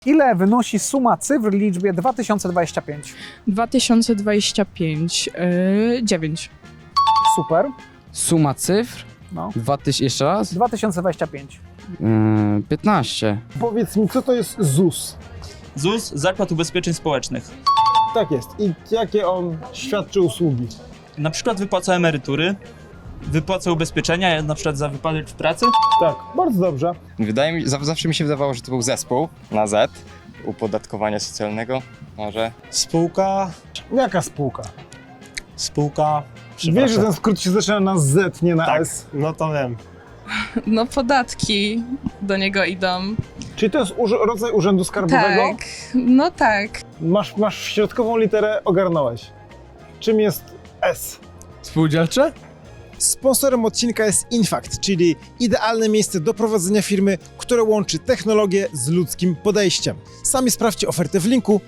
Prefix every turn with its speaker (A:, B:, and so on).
A: Ile wynosi suma cyfr w liczbie 2025?
B: 2025, 9.
A: Super.
C: Suma cyfr?
A: No.
C: 2000, jeszcze raz?
A: 2025.
C: 15.
D: Powiedz mi, co to jest ZUS?
E: ZUS, Zakład Ubezpieczeń Społecznych.
D: Tak jest. I jakie on świadczy usługi?
E: Na przykład wypłaca emerytury, wypłaca ubezpieczenia, na przykład za wypadek w pracy.
D: Tak, bardzo dobrze.
F: Wydaje mi zawsze mi się wydawało, że to był zespół na Z, upodatkowania socjalnego, może.
G: Spółka,
D: Jaka spółka?
G: spółka,
D: Wiesz, że ten skrót się zaczyna na Z, nie na
G: tak,
D: S.
G: no to wiem.
B: No podatki do niego idą.
D: Czyli to jest rodzaj urzędu skarbowego?
B: Tak, no tak.
D: Masz środkową literę, ogarnąłeś. Czym jest S?
H: Spółdzielcze?
I: Sponsorem odcinka jest Infact, czyli idealne miejsce do prowadzenia firmy, które łączy technologię z ludzkim podejściem. Sami sprawdźcie ofertę w linku